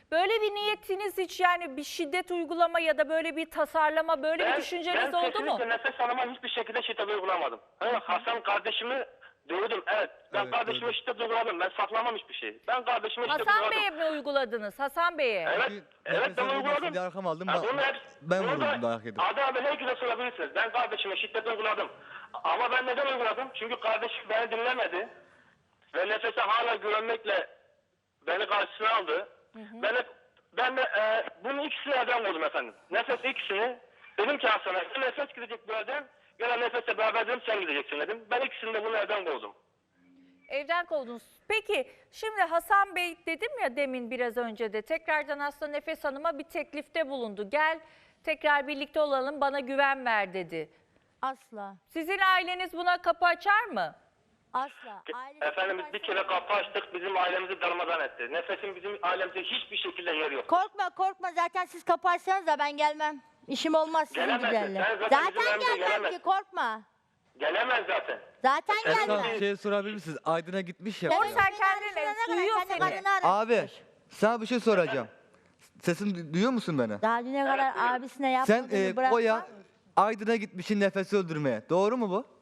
Böyle bir niyetiniz hiç yani bir şiddet uygulama ya da böyle bir tasarlama böyle bir düşünceniz oldu mu? Ben kesinlikle Nefes Hanım'a hiçbir şekilde şiddet uygulamadım. Hasan kardeşimi dövdüm, evet. Ben Evet, kardeşime duydum. şiddet uyguladım. Ben saklamam hiçbir şey. Ben kardeşime şiddet Hasan uyguladım. Bey'e mi uyguladınız? Hasan Bey'e. Evet, Çünkü evet nefes ben alamadım uyguladım. diye arkam aldım. Bunu Ben da vuruldum, dayak yedim. Adı herkese sorabilirsiniz. Ben kardeşime şiddet uyguladım. Ama ben neden uyguladım? Çünkü kardeşim beni dinlemedi. Ve Nefes'e hala güvenmekle beni karşısına aldı. Ben de bunun ikisini elden koydum efendim. Nefes ikisini dedim ki Hasan'a Nefes gidecek bu evden. Gelen Nefes'le beraber dedim sen gideceksin dedim. Ben ikisini de bunu elden koydum. Evden kovdunuz. Peki şimdi Hasan Bey dedim ya demin biraz önce de tekrardan aslında Nefes Hanım'a bir teklifte bulundu. Gel tekrar birlikte olalım bana güven ver dedi. Asla. Sizin aileniz buna kapı açar mı? Asla. Ailesi Efendimiz bir kere kapı açtık bizim ailemizi darmadan etti. Nefes'in bizim ailemizde hiçbir şekilde yeri yok. Korkma zaten siz kapatsanız da ben gelmem. İşim olmaz sizin Gelemezsin. gibilerle. Sen zaten bizim Zaten evimize gelmem ki gelemezsin. korkma. Gelemez zaten. Zaten Esra gelmem. bir şey sorabilir misiniz? Aydın'a gitmiş ya. Doğru, Evet, sen beni kendin arasana ne duyuyor kadar, kendi seni. karını aramış. Abi sana bir şey soracağım. Sesimi duyuyor musun beni? Daha düne kadar abisine Sen yapmadığını bırakma. Koya Aydın'a gitmişsin Nefes'i öldürmeye. Doğru mu bu?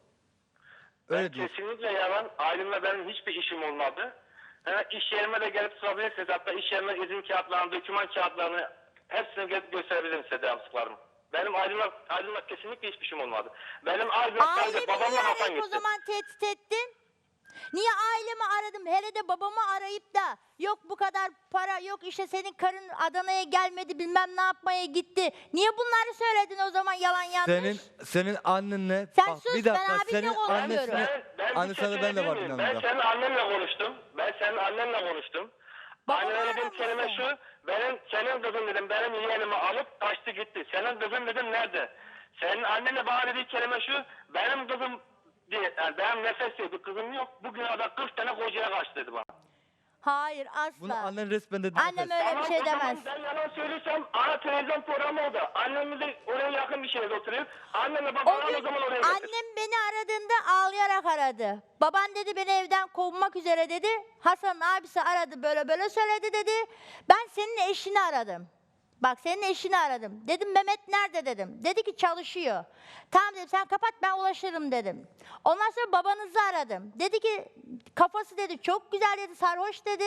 Ben Öyle diyor. kesinlikle yalan. Ailemle benim hiçbir işim olmadı. İş yerime de gelip sorabilirsiniz. Hatta iş yerime izin kağıtlarını, doküman kağıtlarını hepsini gelip gösterebilirim size devamsızlarımı. Benim ailemle kesinlikle hiçbir işim olmadı. Benim ailemle sadece Ailemi babamla niye Hasan arayıp o gitti. zaman tehdit ettin? Niye ailemi aradım? Hele de babamı arayıp da yok bu kadar para, yok işte senin karın Adana'ya gelmedi bilmem ne yapmaya gitti. Niye bunları söyledin o zaman yalan yanlış? Senin annenle Sen bak sus, bir ben dakika abimle senin konuşuyorum. annesine Ben annesine ben de vardım Ben yanında. senin annenle konuştum. Ben senin annenle konuştum. Babamı Annene dediğim aramışsın. kelime şu. Senin kızın dedim benim yeğenimi alıp kaçtı gitti. Senin kızın dedim nerede? Senin annenle bana dediği kelime şu. Benim kızım diye, yani benim Nefes diye bir kızım yok. Bugün ada 40 tane kocaya kaçtı dedi bana. Hayır asla. Bunu annen resmen dedi. Annem öyle bir şey o zaman demez. Ben yalan söylüyorsam ana televizyon programı oldu. Annemiz de oraya yakın bir şehirde oturuyor. Annemle babam o zaman oraya getir. Annem beni aradığında ağlayarak aradı. Baban dedi beni evden kovmak üzere dedi. Hasan'ın abisi aradı böyle böyle söyledi dedi. Ben senin eşini aradım. Bak senin eşini aradım. Dedim Mehmet nerede dedim. Dedi ki çalışıyor. Tamam dedim sen kapat ben ulaşırım dedim. Ondan sonra babanızı aradım. Dedi ki kafası dedi çok güzel dedi sarhoş dedi.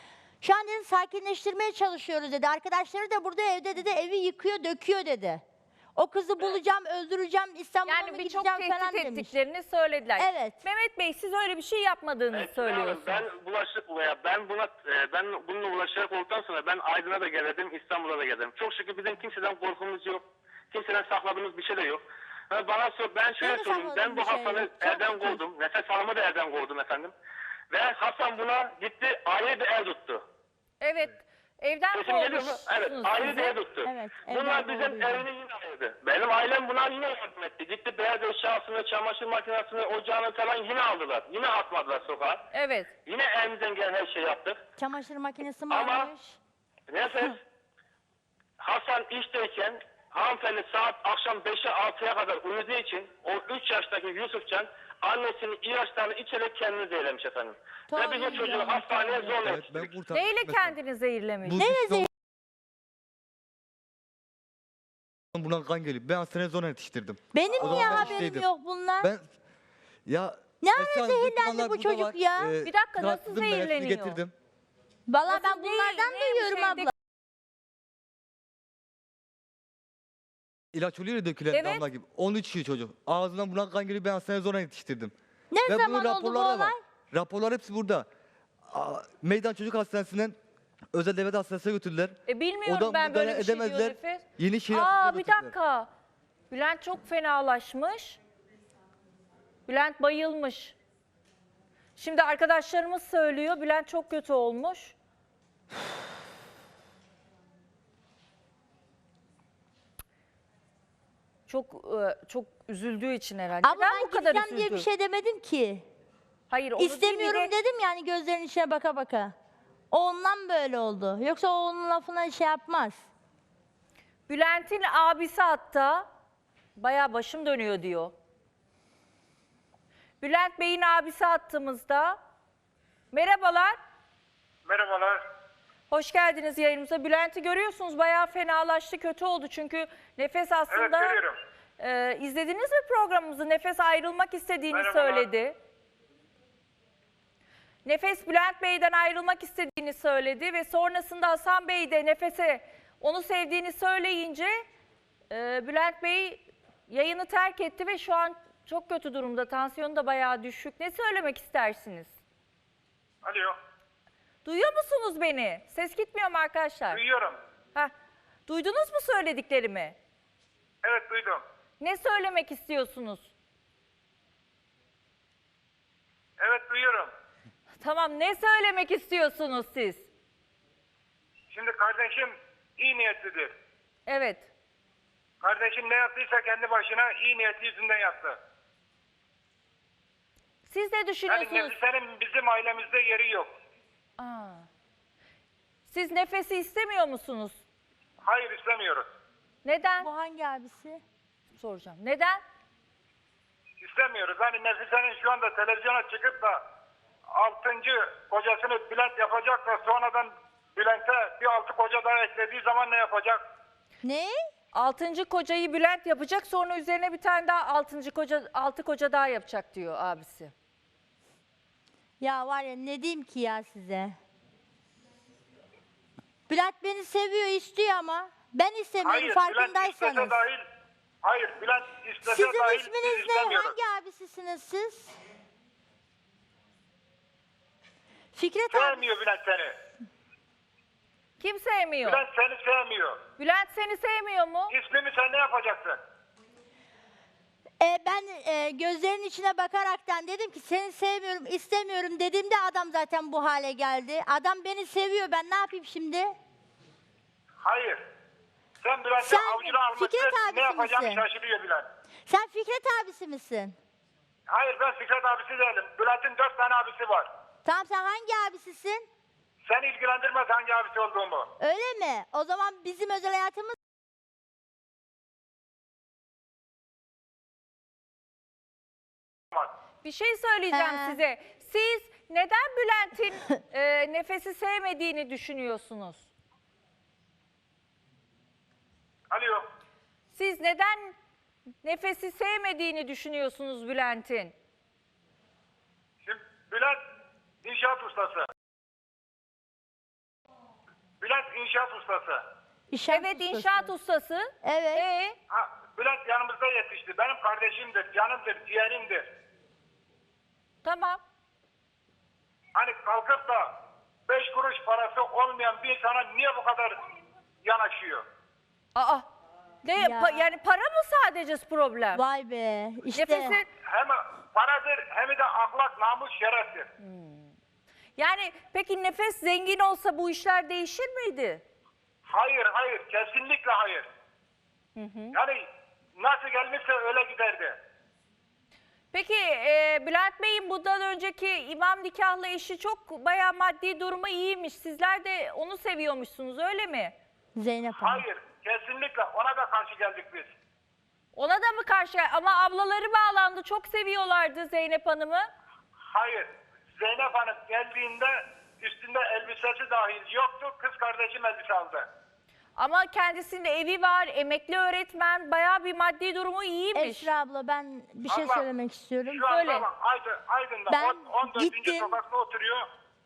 Şu an dedi sakinleştirmeye çalışıyoruz dedi. Arkadaşları da burada evde dedi evi yıkıyor döküyor dedi. O kızı bulacağım öldüreceğim İstanbul'a mı Yani birçok gideceğim falan tehdit demiş. ettiklerini söylediler. Evet. Mehmet Bey siz öyle bir şey yapmadığınızı Evet, söylüyorsunuz. Ben bununla ulaşarak olduktan sonra ben Aydın'a da geldim, İstanbul'a da geldim. Çok şükür bizim kimseden korkumuz yok. Kimseden sakladığımız bir şey de yok. Bana sor, ben şöyle Benim söyleyeyim. Ben sakladığım bu bir şey Hasan'ı yok. Çok evden şükür. kovdum. Nefes Hanım'ı da evden kovdum efendim. Ve Hasan buna gitti, ayrı bir ev tuttu. Evet. Evden Sesim geliyor mu? kovmuşsunuz Evet, ayrı bir sizi. ev tuttu. Evet, Bunlar evden bizim kovduydu. evini yine ayırdı. Benim ailem buna yine yardım etti. Gitti beyaz eşyasını, çamaşır makinesini, ocağını falan yine aldılar. Yine atmadılar sokağa. Evet. Yine elimizden gelen her şeyi yaptık. Çamaşır makinesi mi Ama- almış? Nefes, Hasan işteyken hanımefendi saat akşam 5'e 6'ya kadar uyuduğu için o 3 yaştaki Yusufcan annesinin ilaçlarını içerek kendini zehirlemiş efendim. Ve biz o Tabii çocuğu ya, hastaneye tabii. zorla Evet ben yetiştirdik. kurtardım. Neyle Mesela kendini zehirlemiş? bu Neyle suçlu Buna kan geliyor. Ben hastaneye zorla yetiştirdim. Benim O niye zaman ben haberim işteydim. yok bunlar? Ben ya Ne ara Esra Hanım, zehirlendi dokümanlar bu burada çocuk var. ya? Bir dakika, nasıl çıkarttım ben, hepsini zehirleniyor? getirdim. Valla Nasıl ben değil, bunlardan ne duyuyorum şeyde- abla. İlaç oluyor ya dökülen Evet. damla gibi. Onu içiyor çocuk. Ağzından buna kan geliyor ben hastaneye zorla yetiştirdim. Ne Ve bunun zaman oldu bu raporları da var. olay? Raporlar hepsi burada. Meydan Çocuk Hastanesi'nden özel devlet hastanesine götürdüler. Bilmiyorum Oradan ben böyle müdahale bir şey diyor edemezler. Nefes. Yeni şehir Aa hastanesine bir götürdüler. dakika. Bülent çok fenalaşmış. Bülent bayılmış. Şimdi arkadaşlarımız söylüyor Bülent çok kötü olmuş. Çok üzüldüğü için herhalde. Abla Neden ben bu kadar gideceğim diye bir üzüldü? şey demedim ki. Hayır, onu değil, bir İstemiyorum de dedim yani gözlerinin içine baka baka. O ondan böyle oldu. Yoksa o onun lafına şey yapmaz. Bülent'in abisi hatta bayağı başım dönüyor diyor. Bülent Bey'in abisi attığımızda. Merhabalar. Merhabalar. Hoş geldiniz yayınımıza. Bülent'i görüyorsunuz, bayağı fenalaştı, kötü oldu. Çünkü Nefes aslında... Evet, görüyorum. İzlediniz mi programımızı? Nefes ayrılmak istediğini Merhabalar. söyledi. Nefes Bülent Bey'den ayrılmak istediğini söyledi ve sonrasında Hasan Bey de Nefes'e onu sevdiğini söyleyince Bülent Bey yayını terk etti ve şu an çok kötü durumda. Tansiyonu da bayağı düşük. Ne söylemek istersiniz? Alo. Duyuyor musunuz beni? Ses gitmiyor mu arkadaşlar? Duyuyorum. Heh. Duydunuz mu söylediklerimi? Evet, duydum. Ne söylemek istiyorsunuz? Evet, duyuyorum. Tamam, ne söylemek istiyorsunuz siz? Şimdi kardeşim iyi niyetlidir. Evet. Kardeşim ne yaptıysa kendi başına iyi niyeti yüzünden yaptı. Siz ne Yani düşünüyorsunuz? Nefise'nin bizim ailemizde yeri yok. Aa. Siz Nefes'i istemiyor musunuz? Hayır, istemiyoruz. Neden? Bu hangi abisi? Soracağım. Neden? İstemiyoruz. Hani Nefise'nin şu anda televizyona çıkıp da 6. kocasını Bülent yapacak da sonradan Bülent'e bir 6 koca daha eklediği zaman ne yapacak? Ne? 6. kocayı Bülent yapacak, sonra üzerine bir tane daha 6 koca daha yapacak diyor abisi. Ya var ya ne diyeyim ki ya size? Bülent beni seviyor, istiyor ama ben istemiyorum Hayır, Bülent farkındaysanız. istese dahil. Hayır, Bülent istese Sizin dahil biz isminiz ne? istemiyoruz. Hangi abisisiniz siz? Fikret abi. Sevmiyor Bülent seni. Kim sevmiyor? Bülent seni sevmiyor. Bülent seni sevmiyor mu? İsmimi sen ne yapacaksın? Ben gözlerinin içine bakaraktan dedim ki seni sevmiyorum, istemiyorum dediğimde adam zaten bu hale geldi. Adam beni seviyor, ben ne yapayım şimdi? Hayır. Sen Bülent'i Sen avucuna almışsın. Fikret abisi Ne yapacağını misin? şaşırıyor Bülent. Sen Fikret abisi misin? Hayır, ben Fikret abisi değilim. Bülent'in 4 tane abisi var. Tamam, sen hangi abisisin? Seni ilgilendirmez hangi abisi olduğumu. Öyle mi? O zaman bizim özel hayatımız... Bir şey söyleyeceğim He. size. Siz neden Bülent'in Nefes'i sevmediğini düşünüyorsunuz? Alo. Siz neden Nefes'i sevmediğini düşünüyorsunuz Bülent'in? Şimdi Bülent inşaat ustası. Bülent inşaat ustası. Evet, inşaat ustası. Evet. Bülent yanımızda yetişti. Benim kardeşimdir, canımdır, ciğerimdir. Tamam. Hani kalkıp da 5 kuruş parası olmayan bir insana niye bu kadar yanaşıyor? Aa. Ne Ya. yani para mı sadece problem? Vay be. İşte. Nefes'i Hem paradır hem de ahlak, namus, şereftir. yani peki Nefes zengin olsa bu işler değişir miydi? Hayır, hayır, kesinlikle hayır. Yani nasıl gelmişse öyle giderdi. Peki Bülent Bey'in bundan önceki imam nikahlı eşi çok bayağı maddi durumu iyiymiş. Sizler de onu seviyormuşsunuz, öyle mi? Zeynep Hanım. Hayır, kesinlikle ona da karşı geldik biz. Ona da mı karşı? Ama ablaları bağlandı. Çok seviyorlardı Zeynep Hanım'ı. Hayır, Zeynep Hanım geldiğinde üstünde elbisesi dahil yoktu, kız kardeşim elbise aldı. Ama kendisinin evi var, emekli öğretmen, bayağı bir maddi durumu iyiymiş. Esra abla, ben bir şey Abla, söylemek istiyorum. Şu anda Söyle. bak Aydın'da Ben 14. gittim. sokakta oturuyor.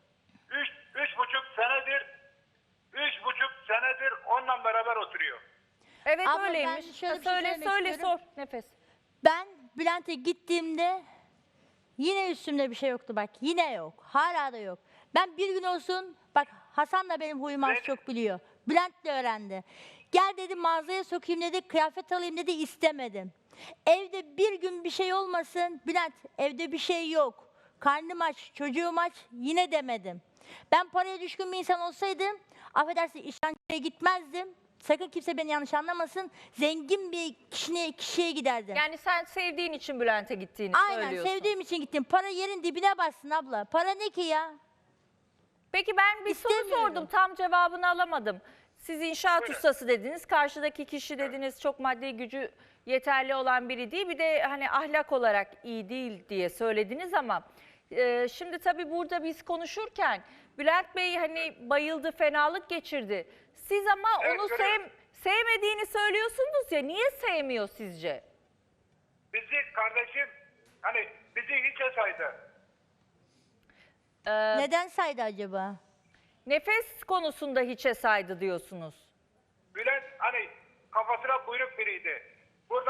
3,5 senedir onunla beraber oturuyor. Evet, Abla, ben öyleymiş. şöyle bir şey Söyle, söylemek söyle, istiyorum. sor Nefes. Ben Bülent'e gittiğimde yine üstümde bir şey yoktu bak. Yine yok. Hala da yok. Ben bir gün olsun, bak Hasan da benim huyumu az Ne? çok biliyor. Bülent de öğrendi. Gel dedi, mağazaya sokayım dedi, kıyafet alayım dedi, istemedim. Evde bir gün bir şey olmasın, Bülent evde bir şey yok. Karnım aç, çocuğum aç, yine demedim. Ben paraya düşkün bir insan olsaydım, affedersin, işten gitmezdim. Sakın kimse beni yanlış anlamasın. Zengin bir kişiye giderdim. Yani sen sevdiğin için Bülent'e gittiğini Aynen, söylüyorsun. sevdiğim için gittim. Para yerin dibine bassın abla. Para ne ki ya? Peki ben bir soru İstemiyorum. sordum, tam cevabını alamadım. Siz inşaat Buyurun. ustası dediniz, karşıdaki kişi dediniz çok maddi gücü yeterli olan biri değil. Bir de hani ahlak olarak iyi değil diye söylediniz ama şimdi tabii burada biz konuşurken Bülent Bey hani bayıldı, fenalık geçirdi. Siz ama Evet, onu söylüyorum. sevmediğini söylüyorsunuz ya. Niye sevmiyor sizce? Bizi kardeşim hani bizi hiçe saydı. Neden saydı acaba? Nefes konusunda hiçe saydı diyorsunuz. Bülent hani kafasına buyruk biriydi. Burada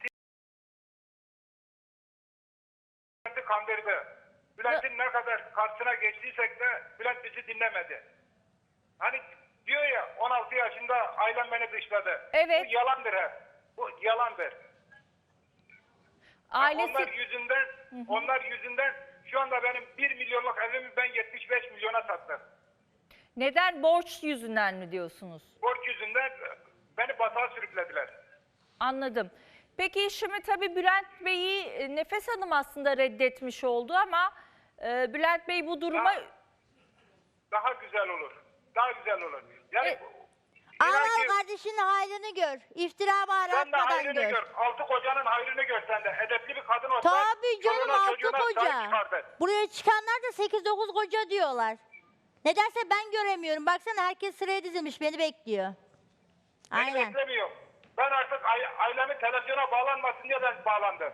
Bülent'i kandırdı. Bülent'in ne kadar karşısına geçtiysek de Bülent bizi dinlemedi. Hani diyor ya 16 yaşında ailem beni dışladı. Evet. Bu yalandır hep. Bu yalandır. Ailesi Onlar yüzünden şu anda benim 1 milyonluk evimi ben 75 milyona sattım. neden, borç yüzünden mi diyorsunuz? Borç yüzünden beni batağa sürüklediler. Anladım. Peki şimdi tabii Bülent Bey'i Nefes Hanım aslında reddetmiş oldu ama Bülent Bey bu duruma... Daha güzel olur. Daha güzel olur. Yani E, inan Ağlar ki kardeşinin hayrını gör. İftira bağır sen de atmadan hayrını gör. gör. Altı kocanın hayrını gör sen de. Edepli bir kadın olsan. Tabii canım, çoluğuna, altı çocuğuna sahip koca. çıkardın. Buraya çıkanlar da 8-9 koca diyorlar. Nedense ben göremiyorum. Baksana herkes sıraya dizilmiş beni bekliyor. Beni Aynen. beklemiyor. Ben artık ailemi televizyona bağlanmasın diye ben bağlandım.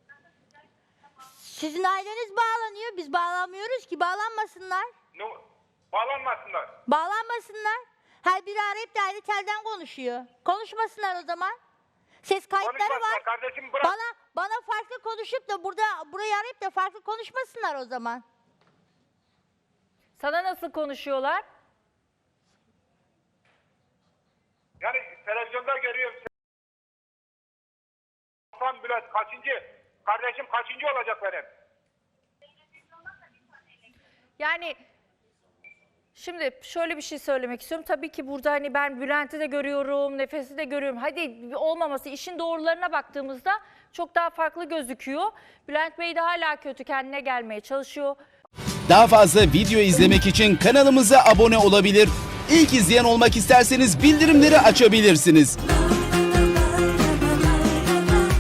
Sizin aileniz bağlanıyor. Biz bağlanmıyoruz ki. Bağlanmasınlar. Bağlanmasınlar. Bağlanmasınlar. Her biri arayıp da ayrı telden konuşuyor. Konuşmasınlar o zaman. Ses kayıtları Konuşmasınlar var. kardeşim, bırak. Bana farklı konuşup da burayı arayıp da farklı konuşmasınlar o zaman. Sana nasıl konuşuyorlar? Yani televizyonda görüyorum. Hasan Bülent kaçıncı? Kardeşim kaçıncı olacak benim? Yani şimdi şöyle bir şey söylemek istiyorum. Tabii ki burada hani ben Bülent'i de görüyorum, Nefes'i de görüyorum. Hadi olmaması, işin doğrularına baktığımızda çok daha farklı gözüküyor. Bülent Bey de hala kötü, kendine gelmeye çalışıyor. Daha fazla video izlemek için kanalımıza abone olabilir. İlk izleyen olmak isterseniz bildirimleri açabilirsiniz.